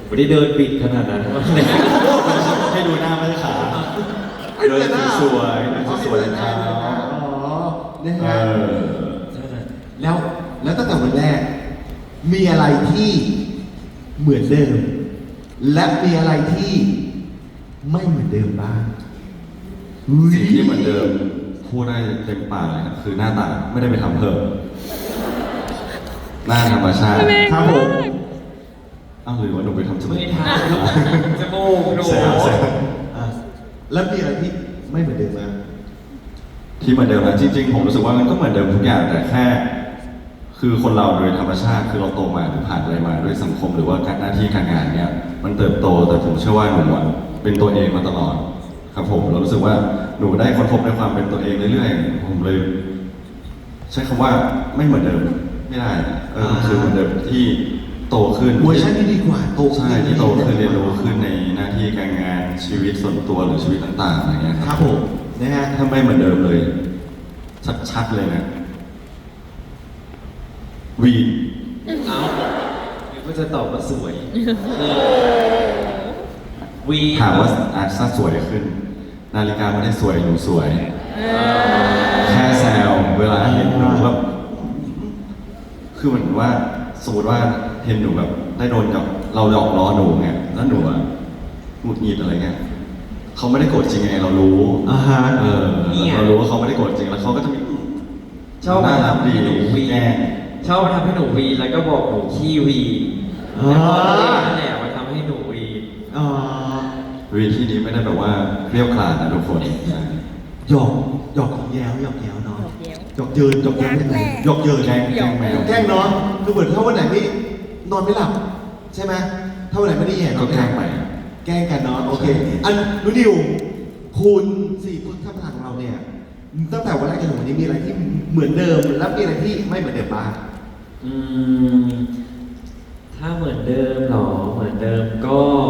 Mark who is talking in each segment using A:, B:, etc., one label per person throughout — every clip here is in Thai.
A: ไม่ได้เดินปิดขนาดนั้น
B: ให้ดูหน้าไม่ใช่ขาเดินสวยๆสวยๆครับ
C: อ๋อนะ
B: เอ
C: ฮะ
B: อ
C: แล้วตั้งแต่วันแรก มีอะไรที่เหมือนเดิม และมีอะไรที่ไม่เหมือนเดิมบ้าง
B: สิ่งที่เหมือนเดิมพูดได้เต็มปากเลยครับคือหน้าตาไม่ได้ไปทำเพิ่มหน้าธรรมชาติ
C: ครับผม
B: อ้าวหรือว่าหนูไปทำจมูก
A: ไม่ทำจมูกหนู
B: แซว
C: อ่ะแล้วมีอะไรที่ไม่เหมือนเดิมบ้าง
B: ที่เหมือนเดิมนะจริงๆผมรู้สึกว่ามันก็เหมือนเดิมทุกอย่างแต่แค่ คือคนเราโดยธรรมชาติคือเราโตมาหรือผ่านอะไรมาด้วยสังคมหรือว่าการหน้าที่การงานเนี่ยมันเติบโตแต่ผมเชื่อว่าหนูอะเป็นตัวเองมาตลอดครับผมเรารู้สึกว่าหนูได้ค้นพบในความเป็นตัวเองเรื่อยๆผมเลย ใช้คำว่าไม่เหมือนเดิมไม่ได้คือเหมือนเดิมที่โตขึ้น
C: เวอร์ชันที่ดีกว่าโตขึ้น
B: ใช่ที่โตขึ้นเรียนรู้ขึ้นในหน้าที่การงานชีวิตส่วนตัวหรือชีวิตต่างๆอะไรเงี้ย
C: ครับผมนะฮะ
B: ถ้าไม่เหมือนเดิมเลย ชัดๆเลยนะวีน
A: เอ้าหรือว่าจะตอบว่าสวยวี
B: ถามว่าอาจจะสวยขึ้น นาฬิกาไม่ได้สวยหนูสวย แค่แซวเวลาเห็นหนูแบบคือเหมือนว่าสมมติว่าเห็นหนูแบบได้โดนกับเราหยอกล้อหนูไงแล้วหนูอะหงุดหงิดอะไรเงี้ยเขาไม่ได้โกรธจริงไงเรารู้
C: อ่าฮะ
B: เรารู้ว่าเขาไม่ได้โกรธจริงแล้วเขาก็จะมี
A: ชอบ
B: น่า
A: มา
B: รัก
A: ทำ
B: ดี
A: ให้หนูวี
B: แกล้ง
A: ชอบมาทำให้หนูวีแล้วก็บอกหนูขี้วี
C: อ่า
A: แล้วพอตัวเองนั่นแหละมาทำให้หนูวี
C: อ่า
B: วีที่นี้ไม่ได้แบบว่าเรียวกราดนะทุกคน
C: หยอกแย้วเนาะหยอกเยินหยอกแย้วยังไงหยอกเยิน
B: แกล้งแมว
C: แกล้งเนาะคือเหมือนถ้าวันไหนไม่นอนไม่หลับใช่ไหมถ้าวันไหนไม่ได้แย่น
B: ก็
C: อนไม่
B: แก
C: ห
B: ล้
C: ลั
B: ง
C: บ
B: ไป
C: แกล้งกันเนาะโอเค อันนูนิวคุณสี่คนท่านประธานของเราเนี่ยตั้งแต่วันแรกจนถึงวันนี้มีอะไรที่เหมือนเดิมและมีอะไรที่ไม่เหมือนเดิมบ้าง
A: อืมถ้าเหมือนเดิมเหรอเหมือนเดิมก็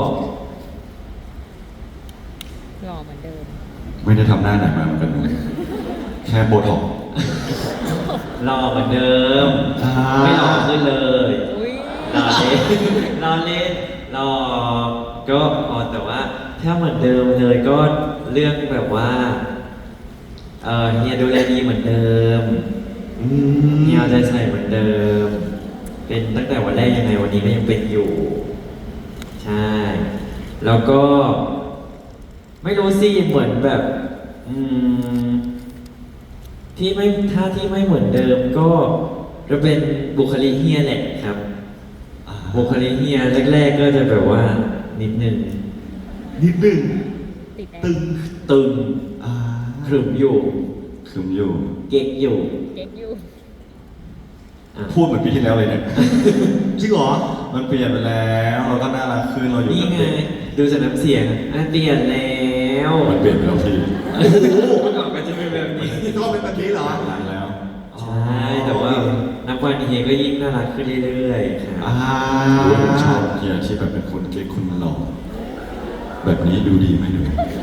D: หล่อเหมือนเดิม
B: ไม่ได้ทำหน้าไหนมาเหมือนกันนะแค่โบท็อกซ์
A: หล่อเหมือนเดิม
C: อ่า
A: ไม่หล่อขึ้นเลย
D: อุ้ย
A: รอเล่นรอเล่นรอก็พอแต่ว่าถ้าเหมือนเดิมเลยก็เรื่องแบบว่าเฮียดูแลดีเหมือนเดิม
C: อื
A: เฮีย
C: ม
A: เอาใจใส่เหมือนเดิม เป็นตั้งแต่วันแรกยังไงวันนี้ก็ยังเป็นอยู่ ใช่ แล้วก็ ไม่รู้สิเหมือนแบบ อืม ที่ไม่ถ้าที่ไม่เหมือนเดิมก็จะเป็นบุคลิกเฮียแหละครับ บุคลิกเฮียแรกๆก็จะแบบว่านิดนึง
C: นิดหนึ่ง
D: ติดแอ
C: ตึ
D: ร์
C: ง
A: ตึง
C: อ่า
A: ขรึมอยู่
B: คืมอยู่
A: เก๊กอยู่
D: เก๊กอยู่
A: อ่ะ
B: พูดเหมือนปีที่แล้วเลยเนี่ย
C: จริงเหรอ
B: มันเปลี่ยนไปแล้วเราก็น่ารักขึ้นเราอยู่
A: นี่
B: กับ
A: ไง
B: เด็ก
A: ดูจากน้ำเสียงอ่ะเปลี่ยนแล้ว
B: มันเปลี่ยนไปแล้วพี่
C: โอ้โห
A: เมื่อก่อนก็จะเป็นแบบนี้
C: ก็เป็นแบบนี้เหรอ
B: นานแล้ว
A: ใช่แต่ว่านับวันเฮียก็ยิ่งน่ารักขึ้นเรื่อยๆครับ
C: อ่า
B: รู้ว่าผมชอบเฮียที่แบบเป็นคนเก๊กคุณหล่อแบบนี้ดูดีไหมหนู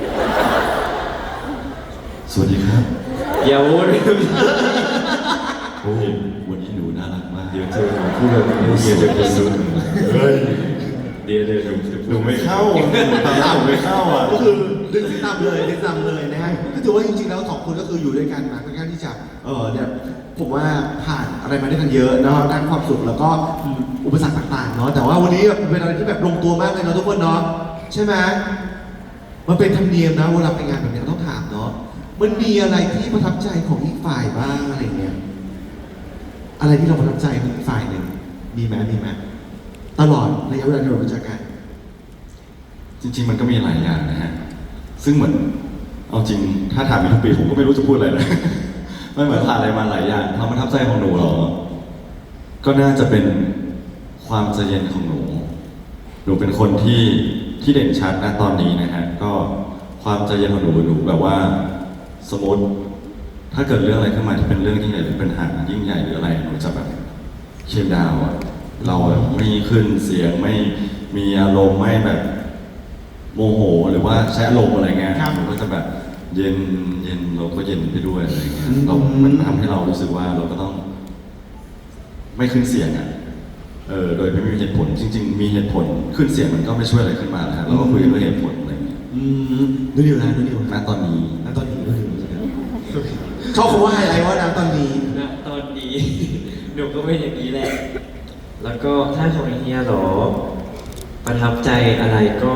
B: สวัสดีครับ
A: อย่าพูด
B: โอ้ยวันนี้หนูน่ารักมากเดี๋ยวเจอหนูพูดแบบนี้เฮียจะกระสุนเฮ้ยเดี๋ยวหนูไม่เข้าตามหนูไม่เข้าอ่ะ
C: ก็คือดึงที่ตามเลยนะฮะก็ถือว่าจริงๆแล้วสองคนก็คืออยู่ด้วยกันมาค่อนข้างที่จะเนี่ยผมว่าผ่านอะไรมาด้วยกันเยอะเนาะทั้งความสุขแล้วก็อุปสรรคต่างๆเนาะแต่ว่าวันนี้แบบเป็นอะไรที่แบบลงตัวมากเลยเนาะทุกคนเนาะใช่ไหมมันเป็นธรรมเนียมนะเวลาไปงานแบบนี้เราต้องถามเนาะมันมีอะไรที่ประทับใจของอีกฝ่ายบ้างอะไรเงี้ยอะไรที่เราประทับใจของอีกฝ่ายหนึ่งมีไหมตลอดระยะเวลาที่เรารู้จักกัน
B: จริงๆมันก็มีหลายอย่างนะฮะ ซึ่งเหมือนเอาจริงถ้าถามอีกทุกปีผมก็ไม่รู้จะพูดอะไรเลย ไม่เหมือนผ่านอะไรมาหลายอย่างความประทับใจของหนูเหรอ ก็น่าจะเป็นความใจเย็นของหนู หนูเป็นคนที่เด่นชัดนะตอนนี้นะฮะ ก็ความใจเย็นของหนูแบบว่าสมมติ ถ้าเกิดเรื่องอะไรขึ้นมาที่เป็นเรื่องยิ่งใหญ่หรือเป็นปัญหายิ่งใหญ่หรืออะไรหนูจะแบบเชียร์ดาวน์อะเราอะไม่ขึ้นเสียงไม่มีอารมณ์ไม่แบบ โมโหหรือว่าใช้อารมณ์อะไรเงี้ย
C: ครับ
B: มันก็จะแบบเย็นเราก็เย็นไปด้วยอะไรเงี้ย
C: อืม
B: มันทำให้เรารู้สึกว่าเราก็ต้อง ไม่ขึ้นเสียงอ่ะโดยไม่มีเหตุผลจริง ๆ มีเหตุผลขึ้นเสียงมันก็ไม่ช่วยอะไรขึ้นมานะฮะเราก็คุยกันด้วยเหตุผลอะไรอย่างเงี้ย
C: ดูดิวนะดูดิว
B: ณตอนนี้
C: ณตอนนี้ดูดิวชอบคำว่าไฮไลท์ว่านะตอนนี้
A: ณตอนนี้ หนูก็เป็นอย่างนี้แหละ แล้วก็ถ้าของเฮียเหรอ ประทับใจอะไรก็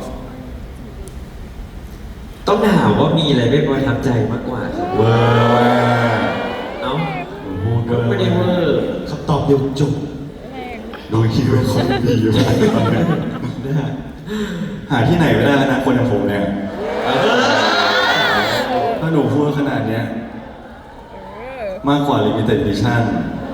A: ต้องถามว่ามีอะไรไม่ประทับใจมากกว่าครับ
B: เวอร์ว่า
A: เอ้า
B: พูด
A: ก็ไม่ได้เวอร์
C: คำตอบเดียวจบ
B: ดูคิวคนดีมาก
C: นะฮะ
B: หาที่ไหนไม่ได้แล้วนะคนอย่างผมเนี่ยถ้าหนูพูดขนาดเนี้ยมากกว่า limited edition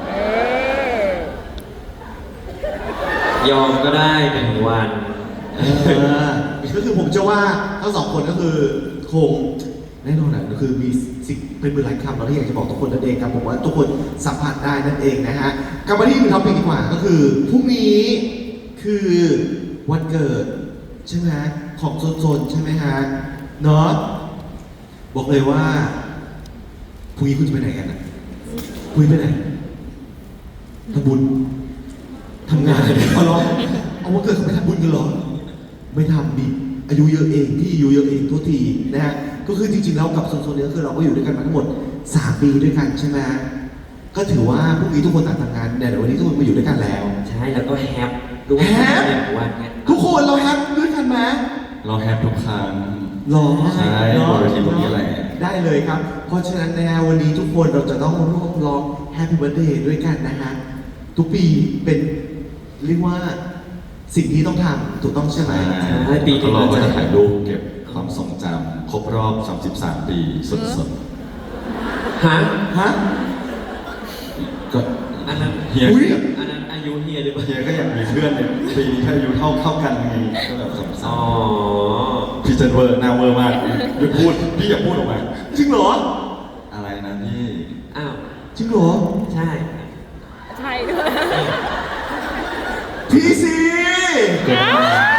A: ยอมก็ได้1 วัน
C: ก็คือผมเชื่อว่าทั้งสองคนก็คือคงแน่นอนนะก็คือมีสิ่งเป็นมือหลายคำเราที่อยากจะบอกทุกคนนั่นเองครับผมว่าทุกคนสัมผัสได้นั่นเองนะฮะกลับมาที่อีกท็อปิกดีกว่าก็คือพรุ่งนี้คือวันเกิดใช่ไหมของโซนๆใช่ไหมฮะเนาะบอกเลยว่าพรุ่งนี้คุณจะไปไหนกันนะพรุ่งนี้ไปไหนทำบุญทำงานเอาเหรอเอาวันเกิดเขาไปทำบุญกันเหรอ ไม่ทำดิอายุเยอะเองพี่อายุเยอะเองทุกทีนะฮะก็คือจริงๆแล้วกับโซนๆนี้ก็คือเราก็อยู่ด้วยกันมาทั้งหมด3 ปีด้วยกันใช่ไหมก็ถือว่าพรุ่งนี้ทุกคนต่างทำงานแต่วันนี้ทุกคนมาอยู่ด้วยกันแล้ว
A: ใช่แล้วก็แฮปด้วย
C: แฮป
A: 1 วันไง
C: ทุกคนเราแฮปด้วยกันไหม
B: เราแฮปทุกครั้ง
C: หรอ
B: ใช่
C: เนาะ
B: บนเวทีตรงนี้แหละ
C: ได้เลยครับ เพราะฉะนั้นนะฮะวันนี้ทุกคนเราจะต้องร่วมร้อง Happy Birthday ด้วยกันนะฮะทุกปีเป็นเรียกว่าสิ่งที่ต้องทำถูกต้องใช่ไหม
A: ใช่ปีนี้
B: เราก็จะถ่ายรูปเก็บความทรงจำครบรอบ 33 ปีสด
A: ฮะ
C: ฮะ
B: ๆก็
A: อันนั้น
B: เฮีย
C: อุ๊ย
A: อันนั้นอายุเฮียหรือเปล่า
B: เฮียก็อยากมีเพื่อนในปีนี้ถ้าอายุเท่ากันไงก็แบบสม
A: อ๋อ
B: พี่เจนเวอร์หน้าเวอร์มากหยุดพูดพี่อย่าพูดออกมา
C: จริงเหรอ
B: อะไรนะพี่
A: อ้าว
C: จริงเหรอ
A: ใช่
D: ใช่ด้วย
C: พี่ซี
A: เดี๋ยว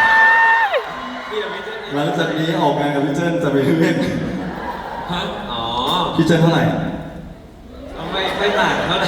A: ไม่ใช่
B: หลังจากนี้ออกงานกับพี่เจนจะไปเล่น
A: ฮะอ๋อ
B: พี่เจนเท่าไหร่
A: ก็ไม่ต่างเท่าไหร่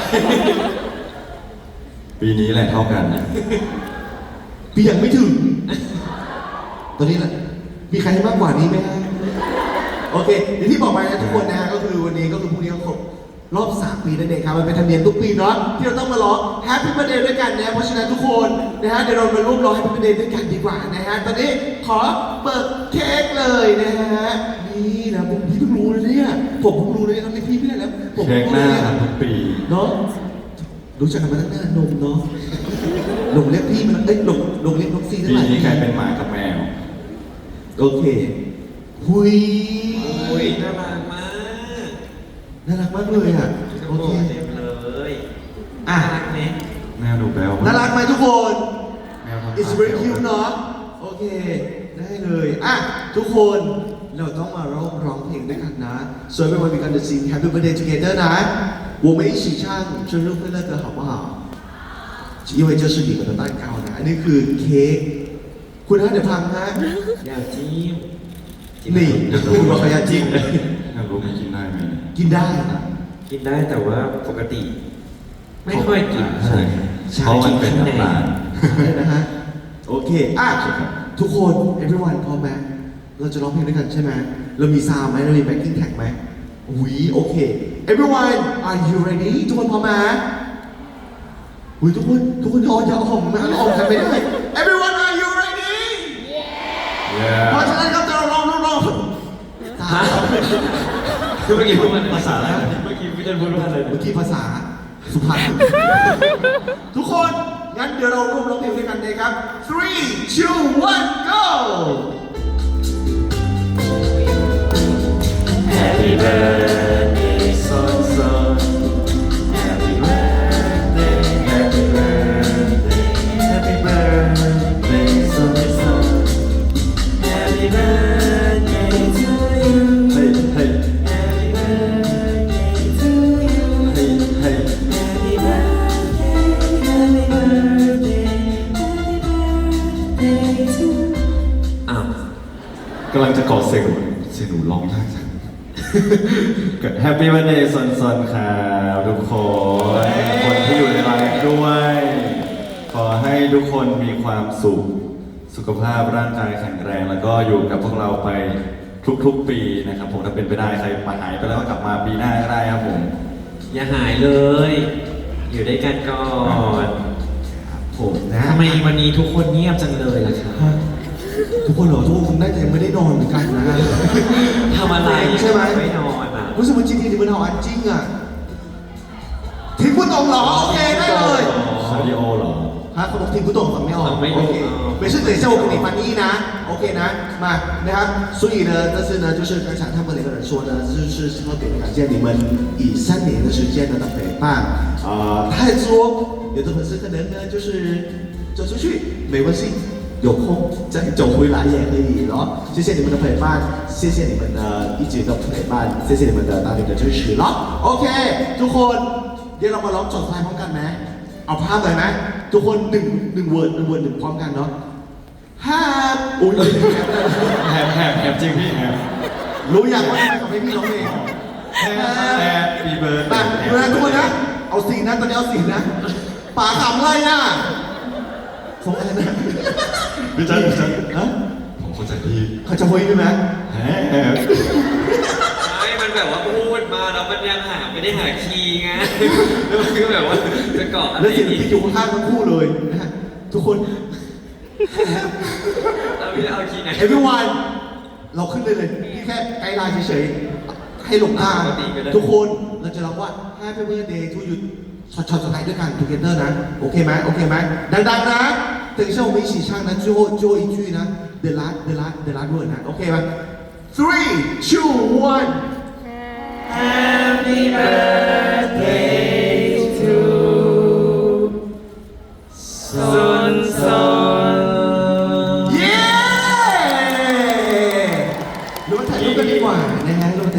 B: ปีนี้แหละเท่ากันนะ
C: พี่ยังไม่ถึง ตอนนี้แหละมีใครให้มากกว่านี้ไหมฮะโอเคอย่างที่บอกไปนะทุกคนนะฮะก็คือวันนี้ก็คือพรุ่งนี้ก็ครบรอบ 3 ปีนั่นเองครับมันเป็นธรรมเนียมทุกปีเนาะที่เราต้องมาร้อง Happy Birthday ด้วยกันนะเพราะฉะนั้นทุกคนนะฮะเดี๋ยวเรามาร่วมร้อง Happy Birthday ด้วยกันดีกว่านะฮะตอนนี้ขอเปิดเค้กเลยนะฮะนี่นะผมพี่เพิ่งรู้เลยเนี่ยผมเพิ่งรู้เลยทำไมพี่ไม่ได้แล้วผม
B: เค้
C: เพิ่
B: ก
C: ง
B: ห
C: รู้
B: น้า
C: เลยเนี่ย
B: ทุกปี
C: เนาะรู้จักกันมาตั้งนานนมเนาะหลงเรียกพี่มันเอ้ยหลงเรียกน้องซีเท่า
B: ปี
C: ไหร่
B: นี้กลายเป็นหมากับแมว
C: โอเคหุย
A: โอ้ยน่ารักมาก
C: น่ารักมากเลยอ่ะ
A: โอ
C: โอ
A: เค
C: เค
A: เต็มเลย
C: อ่ะ
A: น่ารักไหม
B: แมวดูแบล
C: น่ารักไหมทุกคน
B: แมวทำ
C: It's very cute เนาะโอเค ได้เลยอ่ะทุกคนเราต้องมาร้องเพลงด้วยกันนะ so everyone we gonna sing Happy Birthday together นะ我们一起唱生日快乐歌好不好因为这是你们的蛋糕นะอันนี้คือเค้กคุณฮะเดี๋ยวพังฮะ
A: อยากจิ้ม
C: นี่คุณบอกขยะจริง
B: อยากรู้มันกินได้ไหม
C: กินได้นะ
A: กินได้แต่ว่าปกติ ไม่ค่อยกิน
B: ใช่เพราะมันเป็นน้ำตาล
C: ใช่นะฮะ โอเค อ่ะ ทุกคน everyone พร้อมไหมเราจะร้องเพลงด้วยกันใช่ไหมเรามีซาวด์ไหมเรามี backing track ไหมอุ้ยโอเค everyone are you ready ทุกคนพร้อมไหมอุ้ยทุกคนอย่าเอาหอมมาเอาหอมกันไม่ได้ everyone are you ready เพราะฉะนั้นครับจะร้อง
A: ฮะคือเมื่อกี้พูดมัน
B: ภาษาอะไร
A: เมื่อกี้พี่เจนพูดว่าอะไร
C: เมื่อกี้ภาษาสุพรรณ ทุกคน งั้นเดี๋ยวเราร่วมร้องเพลงด้วยกันเลยครับ 3, 2, 1 go
A: Happy birthday son son Happy birthday Happy birthday Happy birthday son son Happy birthday to you
B: เฮ้ยเฮ้ย
A: Happy birthday to you
B: เฮ้ยเฮ้ย
A: Happy birthday Happy birthday Happy birthday to อ้าว
B: กำลังจะกอดเสียงหนูร้องได้จังแฮปปี้วันเดย์ซนๆครับทุกคน คนที่อยู่ในไลฟ์ด้วย ขอทุกคนมีความสุข สุขภาพร่างกายแข็งแรง แล้วก็อยู่กับพวกเราไปทุกๆปีนะครับผมถ้าเป็นไปได้ใครมาหายไปแล้วก็กลับมาปีหน้าก็ได้ครับผม
A: อย่าหายเลย อยู่ด้วยกันก่อน
C: ผมนะ
A: ทำไมวันนี้ทุกคนเงียบจังเลยล่ะครับ
C: ทุกคนเหรอทุกคนคงน่าจะยังไม่ได้นอนเหมือนกันนะ
A: ทำอะไร
C: ใช่ไหม
A: ไม่นอนอ่ะ
C: รู้สึกว่าจริงๆ你们好安静啊听不懂เหรอโอเคได้เลย
B: คาร์ดิโอเหรอ
C: ฮะเขาบอก听不懂ฟังไม่ออก
A: ฟังไม่อ
C: โอ
A: อก
C: เค没事等一下我给你翻译นะโอเคนะมานะครับ所以呢但是呢就是刚才他们两个人说呢就是特别感谢你们以3年的时间的陪伴太多有的粉丝可能呢就是走出去没关系有空再走回来也可以咯谢谢你们的陪伴谢谢你们的一直的陪伴谢谢你们的大力的支持咯โอเคทุกคนเดี๋ยวเรามาร้องจดท้ายพร้อมกันไหมเอาภาพเลยไหมทุกคนหนึ่งเวิร์ดหนึ่งพร้อมกันเนาะห้าอุ้ย
B: แฮปจริงพี่แฮป
C: รู้ยังว่าทำไมเขาไม่พี่ร้องเพลง
B: แฮปปี้เบิร์ด
C: มาดูนะทุกคนนะเอาสีนะตอนนี้เอาสีนะป๋าขำอะไรอ่ะส่งอะไรนะ
B: พี่จันพี่จัน
C: ฮะ
B: ผมเข้าใจพี่
C: เขาจะโวยใช่ไหม
B: แฮป
A: ไม่มันแบบว่าพูดมาแล้วมันยังไม่ได้หาคีย์ไงแล้วมันก็แบบว่าจะเกาะอะไร
C: แล้วเสียง
A: อีก
C: พี่อยู่ข้างๆทั้งคู่เลยนะฮะทุกคน
A: เราไม่ได้เอาคีย์ไหน
C: everyone เราขึ้นเลยพี่แค่ไกด์ไลน์เฉยๆให้หลงทาง
A: ปกติก็ได้
C: ทุกคนเราจะร้องว่า Happy Birthday to you ช็อตสุดท้ายด้วยกัน together นะโอเคไหมโอเคไหมดังๆนะ等一下我们一起唱呢最后一句呢 the last word นะโอเคไหม three two one
A: Happy birthday to ซน
C: เย้หรือว่าถ่ายรูปกันดีกว่านะฮะ